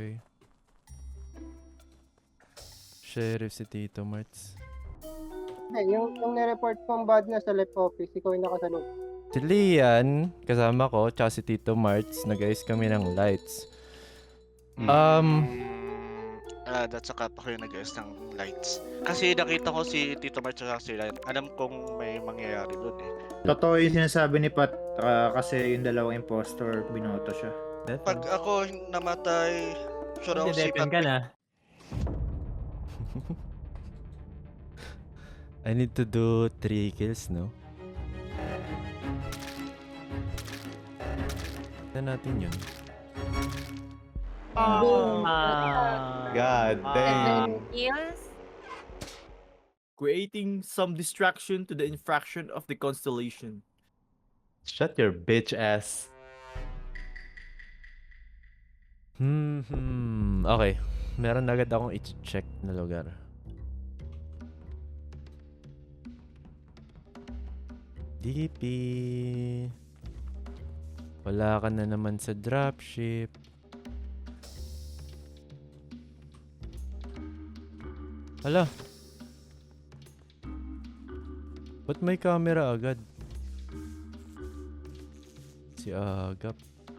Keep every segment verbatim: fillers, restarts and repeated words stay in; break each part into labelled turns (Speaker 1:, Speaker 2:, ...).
Speaker 1: Okay. Sheriff si Tito Marts.
Speaker 2: Eh, yung, yung nireport kong bad na sa left office, ikaw yung nakasalog.
Speaker 1: Si Lian, kasama ko, tsaka si Tito Marts, nag-ayos kami ng lights. Um,
Speaker 3: Ah, that's saka pa kayo nag-ayos ng lights. Kasi nakita ko si Tito March at si Ryan. Alam kong may mangyayari doon eh.
Speaker 4: Totoo yung sinasabi ni Pat ah, kasi yung dalawang impostor binoto siya.
Speaker 3: Pag ako namatay, sure ako si
Speaker 5: Dedepen
Speaker 3: Pat.
Speaker 5: ka na.
Speaker 1: I need to do three kills, no? Tignan natin yun.
Speaker 5: Ah.
Speaker 6: God damn.
Speaker 7: Kills?
Speaker 8: Creating some distraction to the infraction of the constellation.
Speaker 6: Shut your bitch ass.
Speaker 1: Hmm, hmm. Okay. Meron agad akong i-check na lugar. D P. Wala ka na naman sa dropship. Hala. Ba't may camera agad? Si Agap.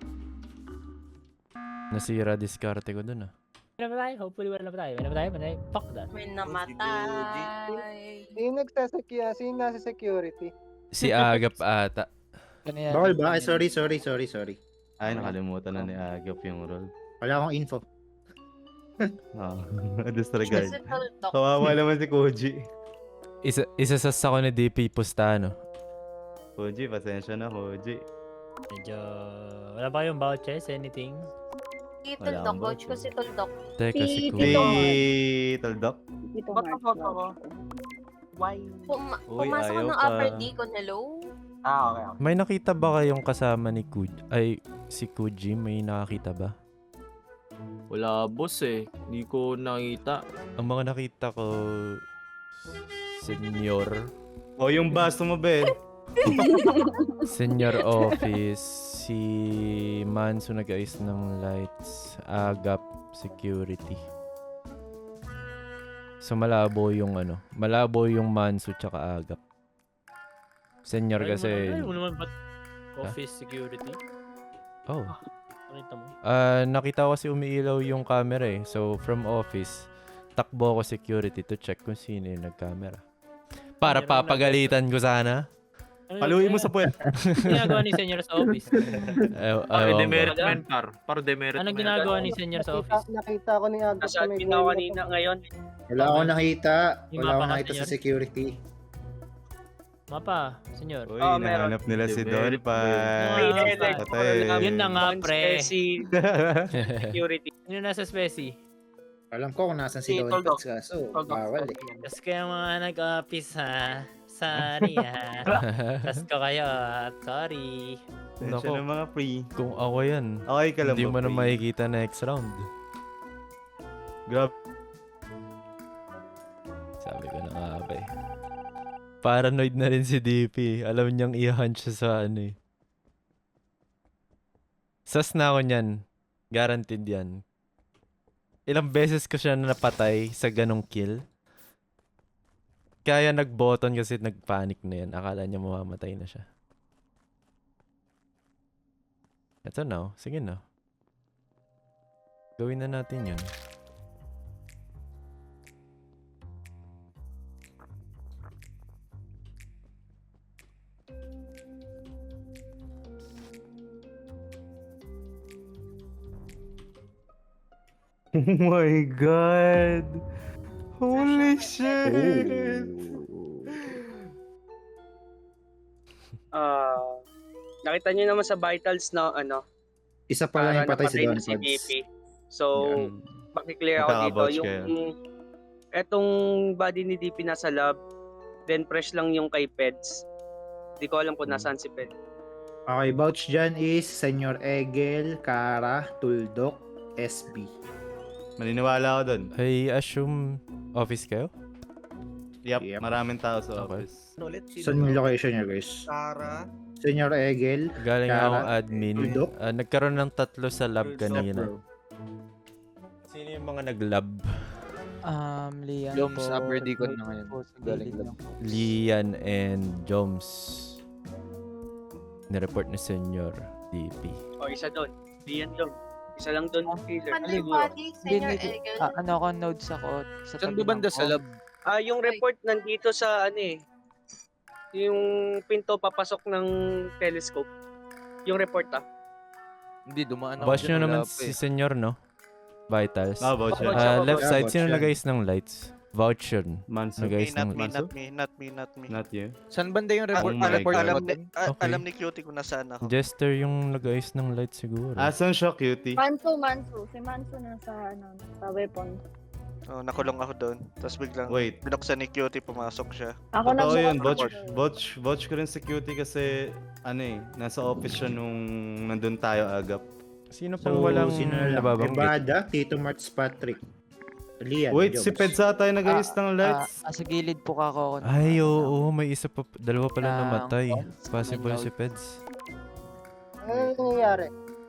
Speaker 1: Nasira diskarte ko dun ah.
Speaker 5: Wala pa tayo. Hopefully wala pa tayo. Wala pa tayo. Wala tayo. Fuck that.
Speaker 7: May namatay.
Speaker 2: Sino nagsasecurity? Sino nasa security?
Speaker 1: Si Agap ata.
Speaker 4: Bawal ba? Ay, sorry, sorry, sorry, sorry.
Speaker 6: Ay, nakalimutan na ni Agap yung role.
Speaker 4: Wala akong info.
Speaker 6: Oh, disregard.
Speaker 7: Kasi tuldok.
Speaker 6: Kawawa naman si Koji.
Speaker 1: Isa, isa sa sako ni D P Pustano.
Speaker 6: Koji, pasensya na, Koji.
Speaker 5: Medyo... Wala ba yung vouchers? Anything?
Speaker 7: Si
Speaker 6: Wala
Speaker 7: tuldok.
Speaker 6: akong
Speaker 7: Coach ko
Speaker 6: voucher.
Speaker 7: si tuldok.
Speaker 1: Teka, si
Speaker 9: Si
Speaker 1: Kuya.
Speaker 9: Tito
Speaker 6: Si Taldok.
Speaker 9: Dito
Speaker 7: Ba't
Speaker 9: Mark.
Speaker 7: ako ako?
Speaker 9: Why?
Speaker 7: Puma
Speaker 6: Uy,
Speaker 7: pumasok
Speaker 6: ayaw
Speaker 7: ng
Speaker 6: pa.
Speaker 7: upper D ko. Hello?
Speaker 9: Ah, okay, okay.
Speaker 1: May nakita ba kayong kasama ni Kuj? Ay, si Kuji, may nakakita ba?
Speaker 8: Wala boss eh. Hindi ko nakita.
Speaker 1: Ang mga nakita ko, Senyor,
Speaker 6: O, yung baso mo, Ben.
Speaker 1: Senior Office, si Manso nag-ayos ng lights, Agap, Security. So malabo yung ano, malabo yung Manso tsaka Agap. Senior
Speaker 5: Ay,
Speaker 1: kasi,
Speaker 5: Ay, mo naman ba't office security?
Speaker 1: oh.
Speaker 5: Nakita mo?
Speaker 1: Ah, nakita ko kasi umiilaw yung camera eh. So from office, takbo ko security to check kung sino yung nag-camera. Para
Speaker 5: Meron
Speaker 1: papagalitan ko sana.
Speaker 5: Ano
Speaker 6: Paluin mo
Speaker 5: yun?
Speaker 6: sa puwet.
Speaker 5: Ano ginagawa ni Senior sa office?
Speaker 1: Ay,
Speaker 8: Para
Speaker 1: ayaw ko.
Speaker 8: demeritment par. Para demeritment.
Speaker 5: Anong ginagawa ni Senior sa
Speaker 2: Nakita,
Speaker 5: office?
Speaker 2: nakita ko ni Agos
Speaker 10: Nasa admin ako kanina ngayon.
Speaker 4: Wala akong nakita.
Speaker 5: Yung
Speaker 4: Wala akong
Speaker 5: mapa ka,
Speaker 4: nakita sa
Speaker 5: senyor?
Speaker 4: security.
Speaker 5: Mapa, Senior.
Speaker 6: Uy,
Speaker 10: Oh, meron.
Speaker 6: nahanap nila si
Speaker 8: Demerit,
Speaker 6: Don pa.
Speaker 5: demerit.
Speaker 6: Patay.
Speaker 5: Yun na nga, pre.
Speaker 10: Si security.
Speaker 5: Sino nasa specie?
Speaker 4: Alam ko kung nasan si
Speaker 10: Si
Speaker 4: Don
Speaker 10: Toldok.
Speaker 4: Pats kaso.
Speaker 10: Toldok.
Speaker 4: Bawal eh.
Speaker 5: Tapos kayo mga nag-office ha. Sorry ha. Tapos ko kayo at sorry.
Speaker 6: Pasensya
Speaker 1: Nako.
Speaker 6: ng mga free.
Speaker 1: Kung ako yan,
Speaker 6: Okay ka lang
Speaker 1: hindi
Speaker 6: ba,
Speaker 1: mo na
Speaker 6: free?
Speaker 1: makikita next round.
Speaker 6: Grabe.
Speaker 1: Sabi ko na nga ba eh. Paranoid na rin si D P. Alam niyang i-hunch siya sa ano eh. Sas na ako niyan. Guaranteed yan. Ilang beses ko siya napatay sa ganong kill. Kaya nag-button kasi nag-panic na yan. Akala niya mamamatay na siya. Eto na. oh. Sige na. Gawin na natin yun.
Speaker 6: Oh my God. Holy shit.
Speaker 10: Ah, nakita niyo naman sa vitals na ano,
Speaker 4: Isa pa lang yung
Speaker 10: para
Speaker 4: patay si
Speaker 10: napatay
Speaker 4: Don
Speaker 10: na si D
Speaker 4: Pats.
Speaker 10: P. So,
Speaker 6: Yan.
Speaker 10: makiklear ako dito.
Speaker 6: Nakaka-vouch
Speaker 10: Yung
Speaker 6: kayo.
Speaker 10: etong body ni D P nasa lab, then fresh lang yung kay Peds. Hindi ko alam kung nasaan si Peds.
Speaker 4: Okay, vouch dyan is Senyor Egel, Kara, Tuldok, S B.
Speaker 6: Maniniwala ako doon.
Speaker 1: I assume office kayo?
Speaker 6: Yep,
Speaker 4: Yep.
Speaker 6: maraming tao sa
Speaker 1: Okay.
Speaker 6: office.
Speaker 4: Saan yung location niya, guys?
Speaker 11: Tara.
Speaker 4: Senyor Egel,
Speaker 1: Galing
Speaker 4: Kara,
Speaker 1: akong admin.
Speaker 4: Tuldok.
Speaker 1: Ah, nagkaroon ng tatlo sa lab kanina. Sino yung mga nag-lab?
Speaker 11: Um, Lian
Speaker 8: Joms,
Speaker 11: po.
Speaker 8: upper deacon na ngayon.
Speaker 11: po sa
Speaker 8: Galing
Speaker 11: gilid
Speaker 8: lab.
Speaker 11: lang po.
Speaker 1: Lian and Joms. Nireport ni Senyor D P.
Speaker 10: O, isa doon. Diyan doon. Isa lang doon killer.
Speaker 7: Monday
Speaker 10: Siguro.
Speaker 7: body, Senior
Speaker 11: Hindi,
Speaker 7: Egel.
Speaker 11: ah, ano ako, nodes ako. Sa
Speaker 8: Saan
Speaker 11: tabi
Speaker 8: ba banda
Speaker 11: ng
Speaker 8: sa lab?
Speaker 10: Ah, yung report nandito sa ano eh. Yung pinto papasok ng telescope. Yung report ah.
Speaker 8: Hindi, dumaan ako
Speaker 1: Watch
Speaker 8: dyan,
Speaker 1: nyo
Speaker 8: wala
Speaker 1: naman
Speaker 8: pa
Speaker 1: si
Speaker 8: eh.
Speaker 1: Senyor, no? Vitals.
Speaker 6: Ah, voucher.
Speaker 10: Voucher.
Speaker 1: Ah,
Speaker 10: Voucher.
Speaker 1: left side,
Speaker 4: Voucher.
Speaker 1: sino nag-ayos ng lights? Voucher.
Speaker 6: Manso.
Speaker 1: Nag-ayos
Speaker 3: Okay, not
Speaker 1: ng
Speaker 3: me,
Speaker 6: Manso?
Speaker 3: not me, not me, not me.
Speaker 6: Not you.
Speaker 8: Saan banda yung
Speaker 3: Ah,
Speaker 8: report?
Speaker 6: Oh my
Speaker 3: alam,
Speaker 6: God.
Speaker 3: alam, ni, ah,
Speaker 1: Okay.
Speaker 3: alam ni Cutie kung nasaan ako.
Speaker 1: Jester yung nag-ayos ng lights siguro.
Speaker 6: Asan siya, cutie?
Speaker 7: Manso, Manso. Si Manso nasa, ano, sa weapon.
Speaker 3: Oh, nakulong ako doon. Tapos biglang
Speaker 6: Wait.
Speaker 3: binuksan ni Cutie, pumasok siya.
Speaker 7: Ako
Speaker 6: Totoo yun,
Speaker 3: nagbukas
Speaker 6: vouch,
Speaker 3: report.
Speaker 6: vouch, vouch ko rin si cutie kasi ano eh, nasa office siya nung nandun tayo agap.
Speaker 1: Sino
Speaker 4: So,
Speaker 1: pang walang
Speaker 4: sino na lang?
Speaker 1: nababanggit?
Speaker 4: Ibada, Tito Marts Patrick. Lian,
Speaker 6: Wait,
Speaker 4: Joms.
Speaker 6: si Pedsa tayo nag-ayos ng
Speaker 11: Ah,
Speaker 6: lights.
Speaker 11: ah, sa gilid po kako ako. ng-
Speaker 1: Ay,
Speaker 11: ano,
Speaker 1: oo, may isa pa, dalawa pala
Speaker 11: ng
Speaker 1: namatay.
Speaker 11: Peds,
Speaker 1: Possible
Speaker 11: may
Speaker 1: si
Speaker 11: note.
Speaker 1: Peds.
Speaker 2: Ano yung nangyayari?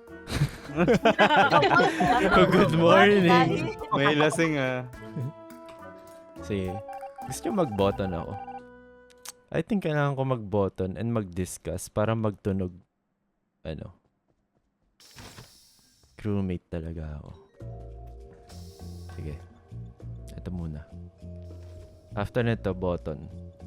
Speaker 1: Oh, good morning.
Speaker 6: May lasing ah.
Speaker 1: Sige. Gusto nyo mag-button ako? I think kailangan ko mag-button and mag-discuss para magtunog. Ano? Crewmate talaga ako. Sige. Ito muna. After nito, button.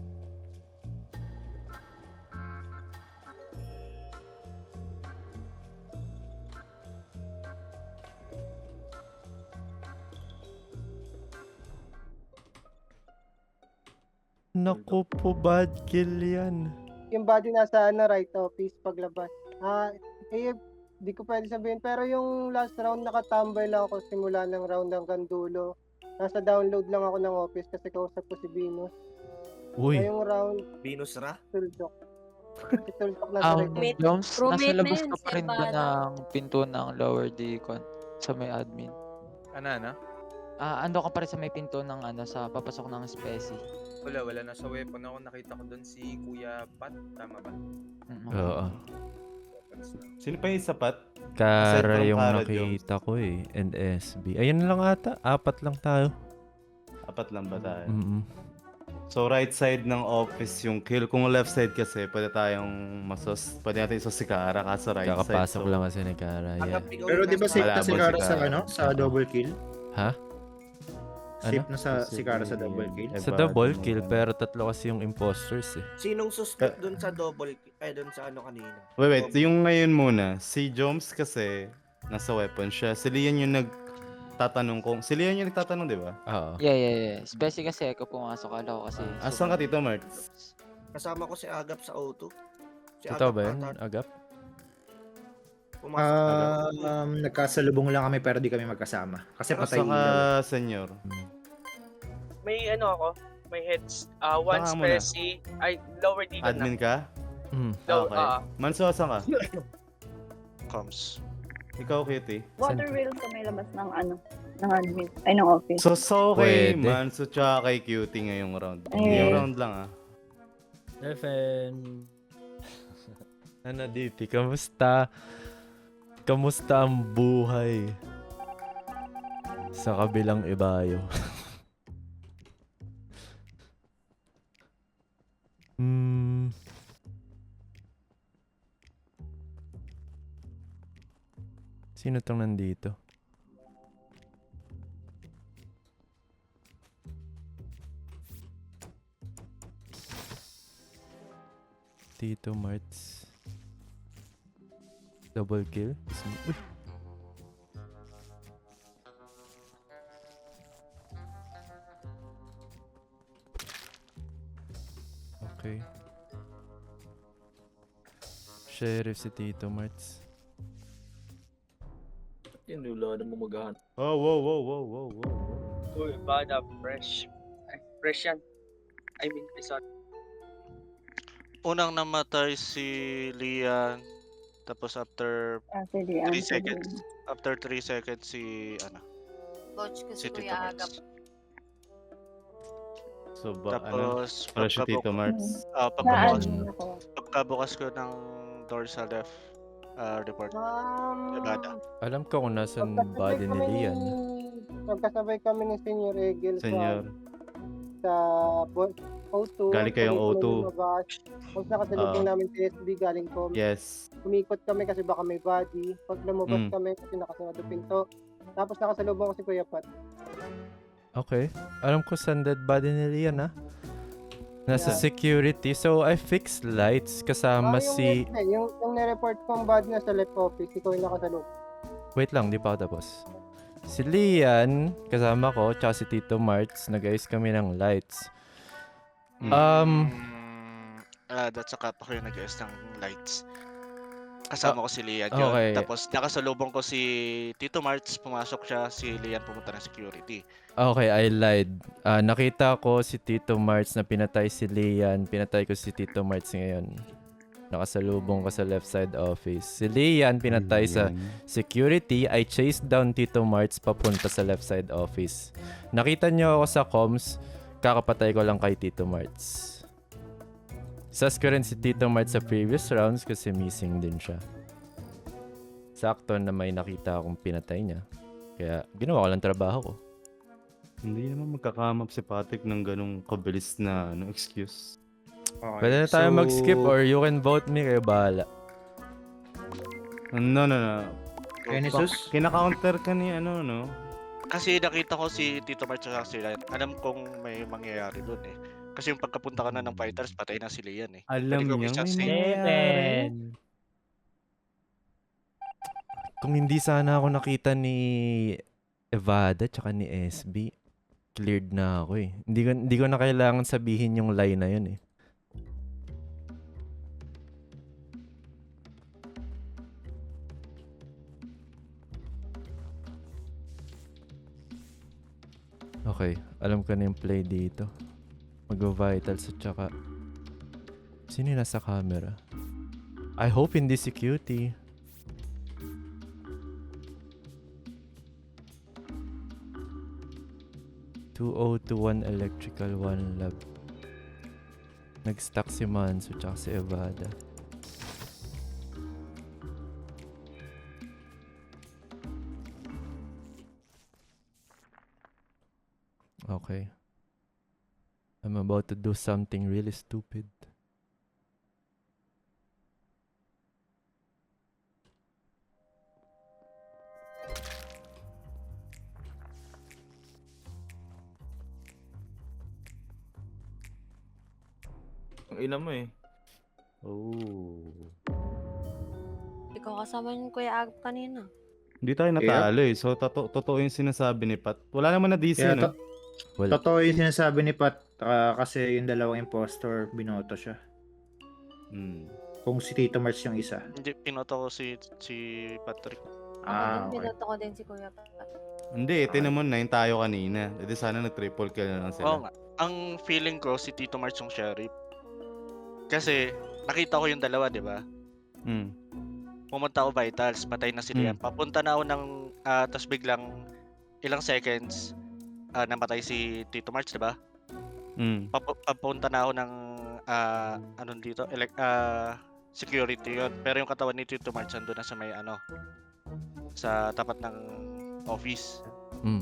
Speaker 1: Naku po, bad kill yan.
Speaker 2: Yung body nasa ano, right office paglabas. Ah, eh, di ko pwede sabihin. Pero yung last round, nakatambay lang ako simula ng round hanggang dulo. Nasa download lang ako ng office kasi kausap ko si Venus.
Speaker 1: Uy,
Speaker 2: Ngayong round,
Speaker 9: Venus Ra?
Speaker 2: Tuldok. Si Tuldok nasa
Speaker 11: Um,
Speaker 2: right office.
Speaker 11: Joms, nasa
Speaker 7: Roommate na
Speaker 11: labas
Speaker 7: yun,
Speaker 11: ka pa rin
Speaker 7: si
Speaker 11: doon
Speaker 7: Abada.
Speaker 11: ng pinto ng lower decon sa may admin.
Speaker 8: Ano, ano?
Speaker 11: Ah, ando ka pa rin sa may pinto ng ano sa papasok ng speci.
Speaker 8: Wala, wala. Nasa weapon ako. Nakita ko doon si Kuya Pat. Tama ba?
Speaker 11: Mm,
Speaker 1: oo.
Speaker 6: Sino pa yung sapat?
Speaker 1: Kara
Speaker 6: from
Speaker 1: yung
Speaker 6: Kara,
Speaker 1: nakita ko eh. And S B. Ayun lang ata. Apat lang tayo.
Speaker 6: Apat lang ba tayo?
Speaker 1: Mm-mm.
Speaker 6: So right side ng office yung kill. Kung left side kasi, pwede tayong masos. Pwede natin isos si Kara kaso right side.
Speaker 1: Kakapasok
Speaker 6: So,
Speaker 1: lang kasi ni Kara. Yeah.
Speaker 4: Pero di ba safe na si
Speaker 6: Malabo
Speaker 4: Kara
Speaker 6: si
Speaker 4: sa
Speaker 6: Kara.
Speaker 4: ano? Sa double kill?
Speaker 1: Ha?
Speaker 4: Safe
Speaker 1: Ano?
Speaker 4: na sa si Kara sa double kill?
Speaker 1: Sa double kill, pero tatlo kasi yung imposters eh.
Speaker 9: Sinong suspect dun sa double, eh dun sa ano kanina?
Speaker 6: Wait, wait. Yung ngayon muna. Si Joms kasi nasa weapon siya. Si Lian yung nagtatanong kung... Si Lian yung nagtatanong, di ba?
Speaker 1: Oo.
Speaker 11: Yeah, yeah, yeah. Speci kasi ako pumasok ala ko kasi.
Speaker 6: Asan ka, Tito Mart?
Speaker 9: Kasama ko si Agap sa O two. Si
Speaker 1: Totoo
Speaker 9: Agap
Speaker 1: ba yun,
Speaker 9: ata
Speaker 1: Agap?
Speaker 9: pumasok.
Speaker 4: Ah, um, nagkasalubong lang kami pero di kami magkasama. Kasi patay
Speaker 6: Asan ka,
Speaker 4: ilaw.
Speaker 6: senyor?
Speaker 10: May ano ako. May heads. Ah, one
Speaker 6: Saka muna.
Speaker 10: speci. Ay, lower deacon na.
Speaker 6: Admin ka?
Speaker 1: Mm.
Speaker 10: Low,
Speaker 6: Okay.
Speaker 10: ah,
Speaker 6: Manso, asan ka?
Speaker 3: Coms.
Speaker 6: Ikaw, Kitty.
Speaker 7: Water wheel sa may labas ng ano, ng admin, ay ng office.
Speaker 6: So, so kay
Speaker 1: Pwede.
Speaker 6: Manso tsaka kay Cutie ngayong round.
Speaker 7: Eh.
Speaker 6: Ngayong round lang ah.
Speaker 5: F M.
Speaker 1: Ano, D P? Kamusta? Kamusta ang buhay? Sa kabilang ibayo. Hmm. Sino tong nandito? Tito Marts. Double kill? Uy! Okay. Sheriff si Tito Marts.
Speaker 8: Yan, wala na mo maghahan.
Speaker 6: Oh, wow, wow, wow, wow, wow.
Speaker 10: uy, bada, fresh. Ay, fresh yan. I mean, sorry.
Speaker 3: Unang namatay si Lian. Tapos after
Speaker 7: Ah, sige,
Speaker 3: three
Speaker 7: ano,
Speaker 3: seconds. After three seconds si ano,
Speaker 7: Coach ko
Speaker 3: si
Speaker 7: si
Speaker 3: Tito
Speaker 7: Kuya Agap.
Speaker 3: Marts.
Speaker 6: So, ba, ano?
Speaker 3: Tapos
Speaker 6: Para si Tito
Speaker 3: pagkabu-
Speaker 6: Marts.
Speaker 3: ah,
Speaker 7: Na
Speaker 3: pagkabukas,
Speaker 7: admin ako.
Speaker 3: pagkabukas ko ng door sa left, ah, report.
Speaker 2: Um,
Speaker 3: Ibada.
Speaker 1: Alam ko kung nasan
Speaker 2: pagkasabay
Speaker 1: body ni
Speaker 2: kami
Speaker 1: Lian.
Speaker 2: ni magkasabay kami ni Senior Egel
Speaker 6: Senyor.
Speaker 2: sa, sa bo- O two.
Speaker 6: Galing kayong O
Speaker 2: Kami
Speaker 6: two.
Speaker 2: lumabas. Tapos nakasalubong
Speaker 6: Ah.
Speaker 2: namin si S B galing ko.
Speaker 6: Yes.
Speaker 2: Umikot kami kasi baka may body. Pag lumabas
Speaker 6: Mm.
Speaker 2: kami kasi nakasarado pinto. Tapos nakasalubong ko si Kuya Pat.
Speaker 1: Okay. Alam ko saan dead body ni Lian, ah. Nasa
Speaker 2: Yeah.
Speaker 1: security. So, I fixed lights kasama
Speaker 2: Ah, yung,
Speaker 1: si...
Speaker 2: hindi, yung, yung nireport kong body na sa left office, ikaw yung nakasalubong.
Speaker 1: Wait lang, di pa ako tapos. Si Lian, kasama ko, tsaka si Tito Marts, nag-ayos kami ng lights.
Speaker 6: Mm.
Speaker 1: Um,
Speaker 3: Mm, ah, that's saka ako yung nag-ayos ng lights. Kasama ko si Lian yun.
Speaker 1: okay.
Speaker 3: Tapos nakasalubong ko si Tito Marts, pumasok siya, si Lian pumunta ng security.
Speaker 1: Okay, I lied. Ah, nakita ko si Tito Marts na pinatay si Lian. Pinatay ko si Tito Marts ngayon. Nakasalubong ko sa left side office. Si Lian pinatay sa security. I chased down Tito Marts papunta sa left side office. Nakita niyo ako sa comms. Kakapatay ko lang kay Tito Marts. Sas ko rin si Tito Marts sa previous rounds kasi missing din siya. Sakto na may nakita akong pinatay niya. Kaya ginawa ko lang trabaho ko.
Speaker 6: Hindi naman magkakamap si Patrick ng ganong kabilis na ano, excuse.
Speaker 4: Okay,
Speaker 1: Pwede na tayo
Speaker 4: so-
Speaker 1: mag-skip or you can vote me, kayo bahala.
Speaker 6: No, no, no.
Speaker 4: Genesis?
Speaker 6: Kina-counter ka ni ano, no?
Speaker 3: Kasi nakita ko si Tito Marts at si Lian. Alam kong may mangyayari doon eh. Kasi yung pagkapunta ka na ng fighters, patay na si Lian eh.
Speaker 6: Alam
Speaker 3: Pwede ko
Speaker 6: niya
Speaker 3: isa
Speaker 6: may
Speaker 3: si-
Speaker 6: nangyayari.
Speaker 1: Kung hindi sana ako nakita ni Evada tsaka ni S B, cleared na ako eh. Hindi ko, hindi ko na kailangan sabihin yung lie na yun eh. Okay, alam ko na yung play dito. Mag-vitals at tsaka... Sino yung nasa camera? I hope hindi si Cutie. two oh two one electrical, one lab. Nag-stuck si Manso tsaka si Evada. Okay. I'm about to do something really stupid.
Speaker 6: Ang ina mo eh. Oh.
Speaker 12: Ikaw kasama yung Kuya Agap kanina.
Speaker 6: Hindi tayo natalo eh. So, toto- totoo yung sinasabi ni Pat. Wala naman na D C,
Speaker 4: Kaya
Speaker 6: no?
Speaker 4: to-
Speaker 1: Wala.
Speaker 4: Totoo yung sinasabi ni Pat ah, kasi yung dalawang impostor, binoto siya.
Speaker 6: Hmm.
Speaker 4: Kung si Tito Marts yung isa.
Speaker 3: Hindi, pinoto ko si, si Patrick.
Speaker 4: Ah,
Speaker 12: Ako din,
Speaker 4: okay.
Speaker 12: binoto ko din si Kuya Pat.
Speaker 6: Hindi, ito naman nine tayo kanina. E di sana nag-triple kill na lang
Speaker 3: Oo
Speaker 6: sila.
Speaker 3: nga. Ang feeling ko si Tito Marts yung sheriff. Kasi nakita ko yung dalawa, di ba?
Speaker 6: Hmm.
Speaker 3: Pumunta ako vitals, patay na si Lian.
Speaker 6: Mm.
Speaker 3: Papunta na ako ng, ah, tas biglang ilang seconds, ah, namatay si Tito Marts, di ba?
Speaker 6: Hmm.
Speaker 3: Papu- Papunta na ako ng, ah, anong dito, elec- ah, security yon. Pero yung katawan ni Tito Marts andun na sa may ano, sa tapat ng office.
Speaker 1: Mm.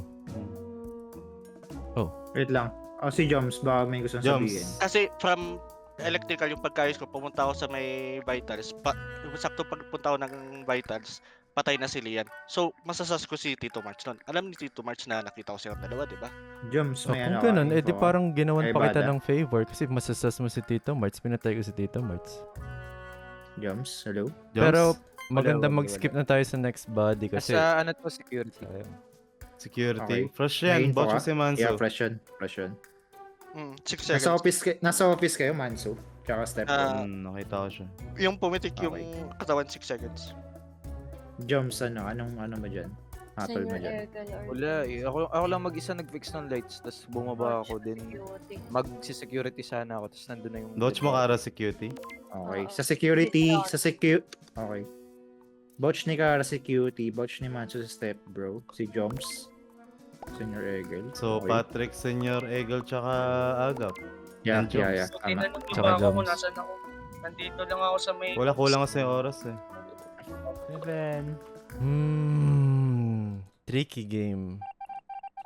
Speaker 4: Wait lang. Oh, si Joms, baka may gusto
Speaker 6: Joms.
Speaker 4: sabihin.
Speaker 3: Kasi from electrical yung pagkayos ko, pumunta ako sa may vitals. Pa, yung sakto pagpunta ako ng vitals, patay na si Lian. So, masasas ko si Tito March nun. Alam ni Tito March na nakita ko silang dalawa, di ba?
Speaker 4: Joms,
Speaker 1: Oh,
Speaker 4: may
Speaker 1: kung
Speaker 4: ano ka,
Speaker 1: ganun, eh
Speaker 4: info
Speaker 1: di
Speaker 4: ka?
Speaker 1: parang ginawan
Speaker 4: Kay
Speaker 1: pa kita
Speaker 4: Bada?
Speaker 1: ng favor kasi masasas mo si Tito Marts, pinatay ko si Tito Marts.
Speaker 4: Joms, hello?
Speaker 6: Joms?
Speaker 1: Pero maganda
Speaker 11: wala,
Speaker 1: mag-skip na tayo sa next body kasi...
Speaker 11: Sa ano to, security.
Speaker 1: Sayang.
Speaker 6: Security.
Speaker 4: Okay.
Speaker 6: Fresh
Speaker 4: May
Speaker 6: yan.
Speaker 4: info
Speaker 6: Botch
Speaker 4: ka?
Speaker 6: si Manso.
Speaker 4: Yeah, fresh yun. Fresh yun.
Speaker 3: Mm, six
Speaker 4: Nasa
Speaker 3: seconds.
Speaker 4: office, kay- nasa office kayo, Manso. Tsaka Step.
Speaker 3: Ah,
Speaker 6: Hmm, nakita ko siya.
Speaker 3: yung pumitik yung
Speaker 4: Okay.
Speaker 3: katawan six seconds.
Speaker 4: Joms, ano? Anong ano mo dyan? Hatol mo
Speaker 12: Senior
Speaker 4: dyan?
Speaker 12: Ergal or
Speaker 11: Wala eh. Ako, ako lang mag-isa nag-fix ng lights. Tapos bumaba ako din.
Speaker 12: Security.
Speaker 11: Mag-security sana ako. Tapos nandun na yung...
Speaker 6: Dodge mo kara security.
Speaker 4: Okay.
Speaker 12: Oo.
Speaker 4: Sa security,
Speaker 12: Wait,
Speaker 4: sa secu... Okay. Botch ni Kara security, botch ni Manso sa step bro. Si Joms. Senior Egel.
Speaker 6: So,
Speaker 4: Okay.
Speaker 6: Patrick, Senyor, Egel, tsaka Agap.
Speaker 4: Yeah,
Speaker 6: and
Speaker 4: yeah,
Speaker 6: Joms.
Speaker 4: yeah. Tama.
Speaker 1: Tsaka Joms.
Speaker 10: ako. Nandito lang ako sa may...
Speaker 6: Wala, kulang kasi yung oras eh.
Speaker 11: Seven.
Speaker 1: Hmm, tricky game.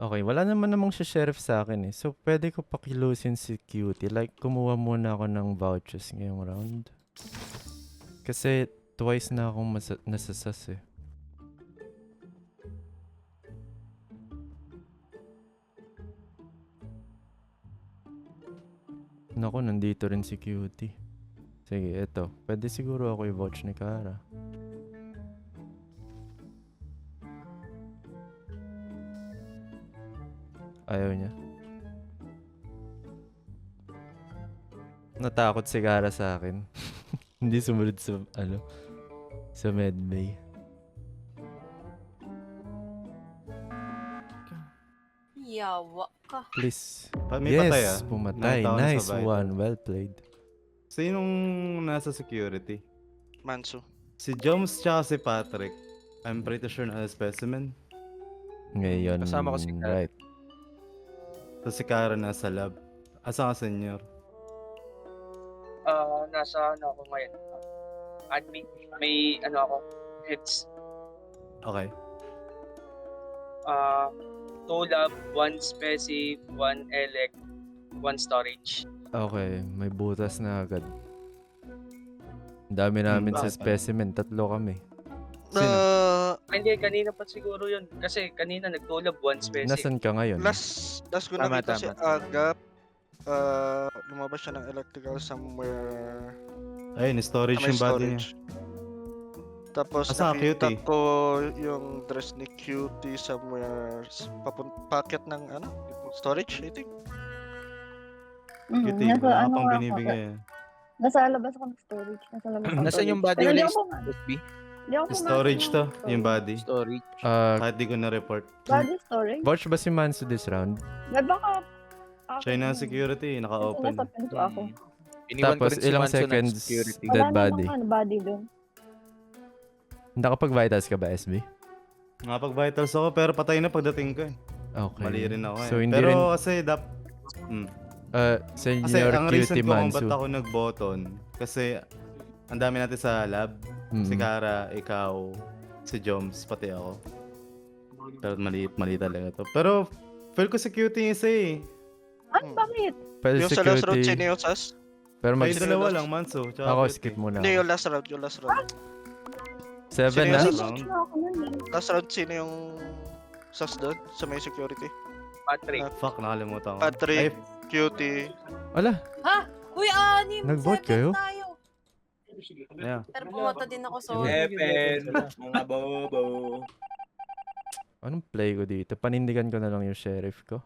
Speaker 1: Okay, wala naman namang siya sheriff sa akin eh. So, pwede ko pakilusin si Cutie. Like, kumuha muna ako ng vouchers ngayong round. Kasi, twice na akong masa- nasasas eh. Naku, nandito rin si Cutie. Sige, eto. Pwede siguro ako i-vouch ni Kara. Ayaw niya. Natakot si Kara sa akin. Hindi sumunod sa, ano, sa medbay.
Speaker 12: Yawa ka.
Speaker 1: Please.
Speaker 6: Pa- may patay, ah.
Speaker 1: Yes, pumatay.
Speaker 6: Ilang tao na sa
Speaker 1: Nice
Speaker 6: vital.
Speaker 1: one. Well played.
Speaker 6: Sinong nasa security?
Speaker 3: Manso.
Speaker 6: Si Joms tsaka si Patrick. I'm pretty sure na specimen.
Speaker 1: Ngayon,
Speaker 8: Kasama ko si Kara.
Speaker 1: right.
Speaker 6: Tapos si Kara nasa lab. Asa ka, senyor?
Speaker 10: Ah, nasa ano ako ngayon. Admin. May ano ako. Heads.
Speaker 6: Okay.
Speaker 10: Ah, two lab, one speci, one elect, one storage.
Speaker 1: Okay, may butas na agad. Ang dami namin sa
Speaker 6: bakit?
Speaker 1: specimen. Tatlo kami.
Speaker 6: Sino?
Speaker 3: Uh,
Speaker 10: Ah, hindi, kanina pa siguro yun. Kasi kanina nag-two lab, one speci.
Speaker 1: Nasaan ka ngayon?
Speaker 3: last, last ko
Speaker 8: Tama,
Speaker 3: nakita si
Speaker 8: tama.
Speaker 3: Agap. Uh, lumabas siya ng electrical somewhere
Speaker 6: Ayun, storage
Speaker 3: sa may
Speaker 6: yung body niya.
Speaker 3: storage. Tapos
Speaker 6: Asa,
Speaker 3: nakita
Speaker 6: Cutie?
Speaker 3: ko yung dress ni Cutie somewhere s- papun packet ng ano, storage, I think.
Speaker 7: Mm,
Speaker 6: Cutie,
Speaker 7: nasa
Speaker 6: wala ka
Speaker 7: ano
Speaker 6: pang
Speaker 7: nga ako.
Speaker 6: binibigay. ah.
Speaker 7: Nasa labas ako ng storage. Nasa labas ng
Speaker 8: Nasaan yung
Speaker 7: storage.
Speaker 8: body
Speaker 7: Pero di
Speaker 8: release?
Speaker 7: ako pumasok.
Speaker 8: S B?
Speaker 7: Di ako pumasok
Speaker 6: Storage
Speaker 7: ng
Speaker 6: to, yung
Speaker 7: storage.
Speaker 6: body.
Speaker 8: Storage.
Speaker 1: Ah,
Speaker 6: Kahit di ko na-report.
Speaker 7: Body storage?
Speaker 1: vouch ba si Manso this round?
Speaker 7: May baka...
Speaker 6: China security,
Speaker 7: Kasi
Speaker 6: naka-open.
Speaker 7: nasa pinto ako.
Speaker 8: Iniwan ko
Speaker 1: Tapos
Speaker 8: rin si
Speaker 1: ilang
Speaker 8: Manso ng
Speaker 1: seconds
Speaker 8: security.
Speaker 1: dead
Speaker 7: Wala
Speaker 1: body.
Speaker 7: namang ano, body doon.
Speaker 1: Nakapag-vitals ka ba, S B?
Speaker 6: Nakapag-vitals ako, pero patay na pagdating ko eh.
Speaker 1: Okay.
Speaker 6: Mali rin ako eh.
Speaker 1: So, hindi
Speaker 6: pero
Speaker 1: rin,
Speaker 6: kasi dap... Mm.
Speaker 1: uh,
Speaker 6: Kasi
Speaker 1: Senior
Speaker 6: ang reason
Speaker 1: Cutie
Speaker 6: ko kung
Speaker 1: Manso.
Speaker 6: ba't ako nag-button, kasi ang dami natin sa lab. Si
Speaker 1: Mm.
Speaker 6: Kara, ikaw, si Joms, pati ako. Pero mali, mali talaga to. Pero feel ko si Cutie isa eh.
Speaker 7: Ay,
Speaker 3: Hmm.
Speaker 7: bakit?
Speaker 1: Pwede
Speaker 3: Yung sa last round,
Speaker 1: security.
Speaker 3: sino yung sas?
Speaker 1: Pero mag...
Speaker 6: Kayo dalawa lang, Manso. Tsaka
Speaker 1: Ako,
Speaker 6: Cutie.
Speaker 1: skip muna
Speaker 3: Hindi,
Speaker 1: ako.
Speaker 3: yung last round, yung last round.
Speaker 1: Seven
Speaker 3: Sino
Speaker 1: na?
Speaker 3: yung
Speaker 6: Last
Speaker 3: sas?
Speaker 6: round.
Speaker 7: Wala ako nun eh.
Speaker 3: Last round, sino yung sas doon sa may security?
Speaker 10: Patrick.
Speaker 6: Fuck, nakalimutan ko.
Speaker 3: Patrick,
Speaker 6: Ay,
Speaker 3: Cutie.
Speaker 1: Ala,
Speaker 12: Ha? Uy, anim!
Speaker 1: Nag-vote
Speaker 12: Seven
Speaker 1: kayo?
Speaker 12: tayo.
Speaker 6: yeah.
Speaker 12: Pero pumunta din ako, sorry.
Speaker 8: Seven. Mga bobo.
Speaker 1: anong play ko dito? Panindigan ko na lang yung sheriff ko.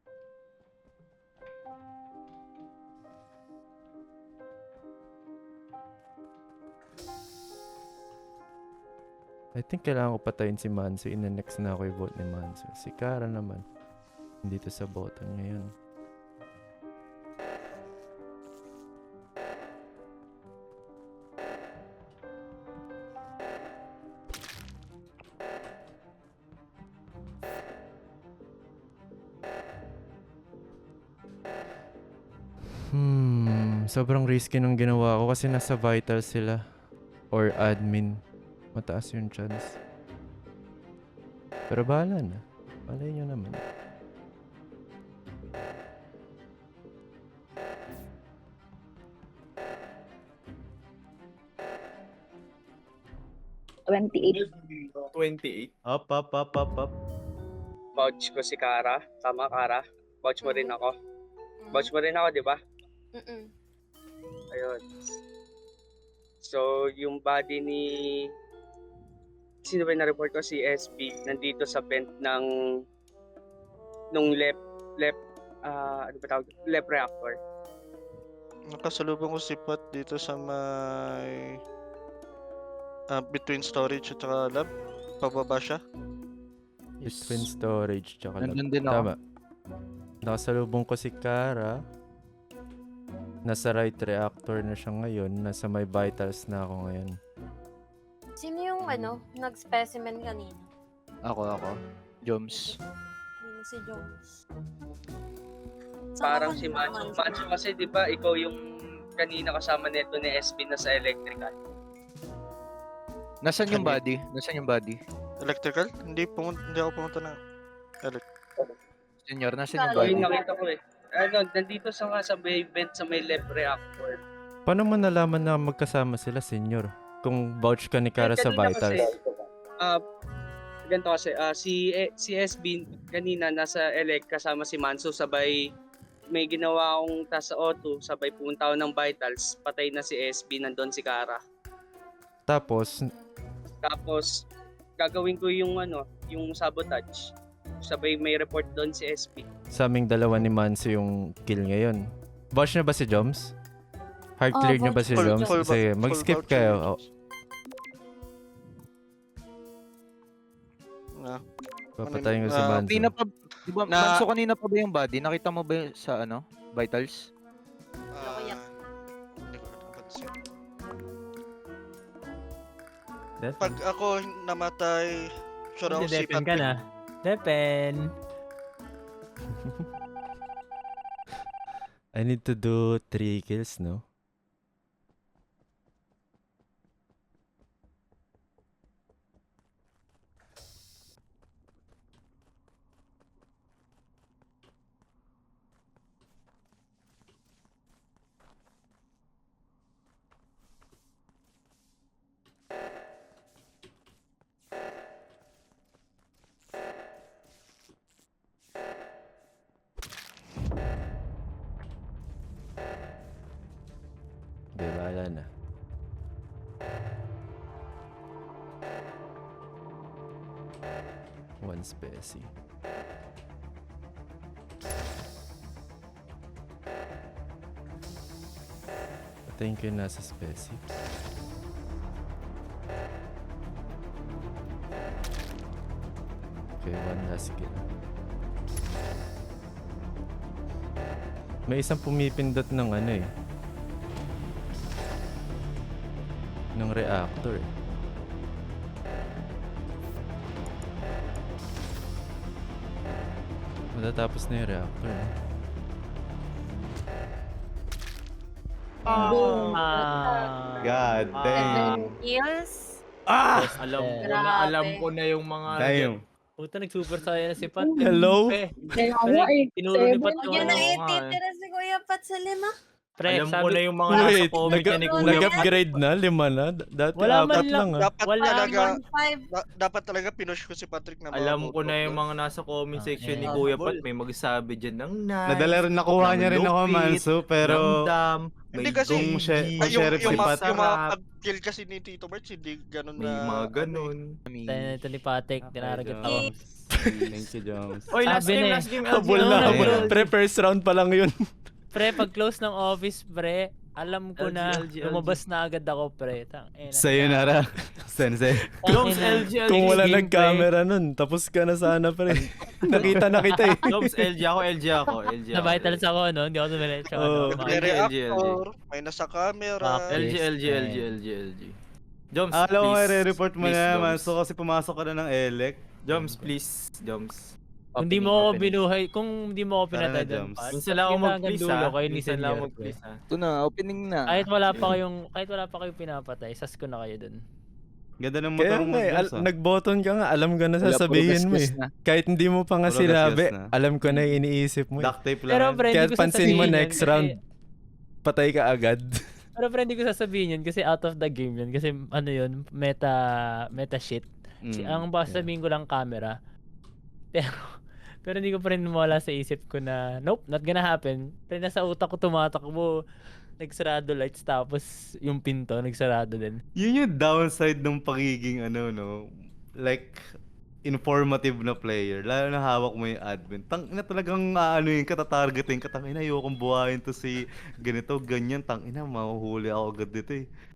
Speaker 1: I think kailangan ko patayin si Manso. Ina-next na ako i-vote ni Manso. Si Kara naman. Dito sa button ngayon. Hmm, sobrang risky nung ginawa ko kasi nasa vital sila or admin. Mataas yung chance. Pero bahala na. Malay nyo naman.
Speaker 7: twenty-eight.
Speaker 8: twenty-eight.
Speaker 6: Up, up, up, up, up.
Speaker 10: Vouch ko si Kara. Tama, Kara. Vouch mo rin ako. Vouch mo rin ako, di ba?
Speaker 12: Mm-mm.
Speaker 10: Ayun. So, yung body ni... Sino ba yung na-report ko? Si S B. Nandito sa vent ng... Nung left... Left... ah ano ba tawag? Left reactor.
Speaker 3: Nakasalubong ko si Pat dito sa may... ah, between storage at saka lab. Pababa siya.
Speaker 1: Between storage tsaka lab.
Speaker 8: Nandun din ako.
Speaker 1: Tama. Nakasalubong ko si Kara. Nasa right reactor na siya ngayon. Nasa may vitals na ako ngayon.
Speaker 12: Sino yung ano, nag-specimen kanina?
Speaker 8: Ako, ako. Joms.
Speaker 12: Sino si Jones?
Speaker 10: Parang si Manso. Manso kasi, di ba, ikaw yung kanina kasama neto ni S B na sa electrical.
Speaker 8: Nasaan yung
Speaker 3: Ano?
Speaker 8: body? Nasaan yung body?
Speaker 3: Electrical? Hindi, pumun- hindi ako pumunta ng elect.
Speaker 11: Senior, nasan yung
Speaker 10: So, yung
Speaker 11: body?
Speaker 10: nakita ko eh. Ano, nandito sa nga sa may vent sa may left reactor.
Speaker 1: Paano mo nalaman na magkasama sila, Senyor? Kung vouch ka ni Kara sa
Speaker 10: Kanina
Speaker 1: vitals.
Speaker 10: Kasi, ah, ganito kasi, ah, si, eh, si S B kanina nasa elect kasama si Manso, sabay may ginawa akong task sa auto, sabay pumunta ako ng vitals, patay na si S B, nandun si Kara.
Speaker 1: Tapos,
Speaker 10: Tapos, gagawin ko yung ano, yung sabotage. Sabay may report doon si S P.
Speaker 1: sa aming dalawa ni Manso yung kill ngayon. Vouch na ba si Joms? Hard
Speaker 12: Ah,
Speaker 1: clear niyo ba
Speaker 12: vouch
Speaker 1: si
Speaker 3: Full-
Speaker 1: Joms?
Speaker 3: full-
Speaker 1: Sige,
Speaker 3: full
Speaker 1: mag-skip
Speaker 3: voucher.
Speaker 1: kayo. Oh,
Speaker 3: Ah,
Speaker 1: papatayin ko si
Speaker 3: Ah,
Speaker 1: Manso.
Speaker 11: Kanina pa, di ba,
Speaker 3: Na-
Speaker 11: Manso, kanina pa ba yung body? Nakita mo ba yung sa ano, vitals?
Speaker 3: ah,
Speaker 12: Kuya.
Speaker 3: hindi ko napansin.
Speaker 1: Death?
Speaker 3: Pag ako namatay, sure ako si
Speaker 5: Depen ka
Speaker 3: Patrick.
Speaker 5: na. Depen.
Speaker 1: I need to do three kills, no? Di ba, wala na. One specie. Patayin ko yung nasa specie. Okay, one last kill. May isang pumipindot ng ano eh. Ng reactor eh. Matatapos na yung reactor eh.
Speaker 5: Ah.
Speaker 6: God damn.
Speaker 12: Kills?
Speaker 1: Ah!
Speaker 5: Alam
Speaker 12: ko na, alam ko
Speaker 5: na yung mga...
Speaker 6: Damn.
Speaker 5: Puta, nag-super saiyan na si Pat.
Speaker 1: Hello?
Speaker 5: Pre,
Speaker 7: Kaya nga eh.
Speaker 5: tinuro ni Pat
Speaker 7: Seven.
Speaker 5: yung
Speaker 12: Yan
Speaker 5: ano.
Speaker 12: na
Speaker 11: Oo nga eh.
Speaker 12: ititira si Kuya Pat sa lima.
Speaker 5: Pre,
Speaker 8: Alam
Speaker 5: sabi,
Speaker 8: ko na yung mga
Speaker 1: Wait,
Speaker 8: nasa comment
Speaker 1: nag-
Speaker 8: niya ni Kuya.
Speaker 1: nag-upgrade na? Lima na? D- Dati
Speaker 5: Wala man
Speaker 1: apat
Speaker 5: lang.
Speaker 1: lang ah.
Speaker 3: Dapat
Speaker 5: Wala
Speaker 3: talaga,
Speaker 12: one five.
Speaker 3: da- dapat talaga pinush ko si Patrick na
Speaker 8: Alam ko na
Speaker 3: mag-vote
Speaker 8: yung
Speaker 3: doon.
Speaker 8: mga nasa comment
Speaker 5: Ah,
Speaker 8: section ni
Speaker 5: eh.
Speaker 8: Kuya
Speaker 5: Bol.
Speaker 8: Pat. May magsabi dyan ng nice.
Speaker 6: Nadala rin, nakuha
Speaker 8: ng
Speaker 6: niya rin ako,
Speaker 8: lupit,
Speaker 6: Manso, pero
Speaker 8: Ramdam,
Speaker 3: Hindi
Speaker 8: may
Speaker 3: kasi,
Speaker 6: kung
Speaker 8: G G,
Speaker 6: siya-
Speaker 3: Ay,
Speaker 6: kung
Speaker 3: yung,
Speaker 6: sheriff
Speaker 3: yung,
Speaker 6: si
Speaker 3: mga,
Speaker 6: Pat,
Speaker 3: yung mga
Speaker 8: masarap,
Speaker 3: pag-kill kasi ni Tito March, hindi ganun
Speaker 8: may
Speaker 3: na...
Speaker 8: mga
Speaker 3: ano eh.
Speaker 8: ganun.
Speaker 5: Tayo na ito ni Patek, dinaragat ako.
Speaker 6: Joms. Thank you, Joms.
Speaker 8: Oy, last
Speaker 5: Sabi
Speaker 8: game,
Speaker 5: na eh.
Speaker 8: last game,
Speaker 1: Habol
Speaker 8: L G,
Speaker 1: na,
Speaker 8: ano,
Speaker 1: habol.
Speaker 8: L G.
Speaker 1: Pre, first round pa lang yun.
Speaker 5: Pre, pag close ng office, pre, alam ko
Speaker 8: L G,
Speaker 5: na,
Speaker 8: L G, L G.
Speaker 5: lumabas na agad ako, pre. Tang, ina.
Speaker 6: Sayonara, Sensei.
Speaker 8: Joms, L G, L G.
Speaker 1: Kung wala
Speaker 8: gameplay.
Speaker 1: nag-camera nun, tapos ka na sana pre. Nakita na kita eh.
Speaker 8: Joms, L G ako, L G ako, L G
Speaker 5: Na
Speaker 8: ako.
Speaker 5: vitals ako, no? Hindi ako tumiretso.
Speaker 1: Oo.
Speaker 5: ano.
Speaker 3: May
Speaker 8: L G, L G, L G.
Speaker 3: reactor, may nasa camera.
Speaker 5: Fuck.
Speaker 8: L G, L G, L G, L G, L G. Joms,
Speaker 6: Alam ko,
Speaker 8: please.
Speaker 6: i-report mo
Speaker 8: Please,
Speaker 6: na,
Speaker 8: Joms.
Speaker 6: Manso, kasi pumasok ka na ng elec.
Speaker 8: Joms, please. Joms.
Speaker 5: Kung di mo ako binuhay, kung di mo ako
Speaker 6: Tara na,
Speaker 5: pinatay doon,
Speaker 6: Joms.
Speaker 5: Pat,
Speaker 8: Minsan lang ako
Speaker 5: hanggang
Speaker 8: mag-please
Speaker 5: dulo
Speaker 8: ha.
Speaker 5: kayo ni
Speaker 8: Minsan lang ako
Speaker 5: Senyor,
Speaker 8: mag-please
Speaker 5: pre.
Speaker 8: ha.
Speaker 11: Ito na, opening na.
Speaker 5: Kahit wala pa kayong, kahit wala pa kayong pinapatay, sas ko na kayo doon.
Speaker 6: Ganda ng
Speaker 1: Kaya
Speaker 6: motor mo,
Speaker 1: nga eh,
Speaker 6: Joms,
Speaker 1: al-
Speaker 6: ah.
Speaker 1: nag-button ka nga, alam ko na
Speaker 11: Wala, puro
Speaker 1: sasabihin mo eh.
Speaker 11: gasgas na.
Speaker 1: Kahit hindi mo pa nga
Speaker 6: Puro
Speaker 1: sinabi,
Speaker 6: gasgas na.
Speaker 1: alam ko na yung iniisip mo eh.
Speaker 6: Duct tape lang.
Speaker 5: Pero
Speaker 6: yan.
Speaker 5: pre,
Speaker 1: Kaya
Speaker 5: hindi ko
Speaker 1: pansin mo
Speaker 5: sasabihin yun
Speaker 1: next
Speaker 5: kasi-
Speaker 1: round, patay ka agad.
Speaker 5: Pero pre, hindi ko sasabihin yun kasi out of the game yun. Kasi ano yun, meta, meta shit. Si,
Speaker 6: Mm,
Speaker 5: ang basta sabihin ko lang camera. Pero, pero hindi ko pa rin mawala sa isip ko na, nope, not gonna happen. Pero nasa utak ko tumatakbo, nagsarado lights, tapos yung pinto, nagsarado din.
Speaker 6: Yun yung downside ng pagiging ano no, like informative na player. Lalo na hawak mo yung admin. Tang ina talagang ano yung katatargeting ka. Tang ina ayokong buhayin to si ganito, ganyan. Tang ina mahuhuli ako agad dito eh.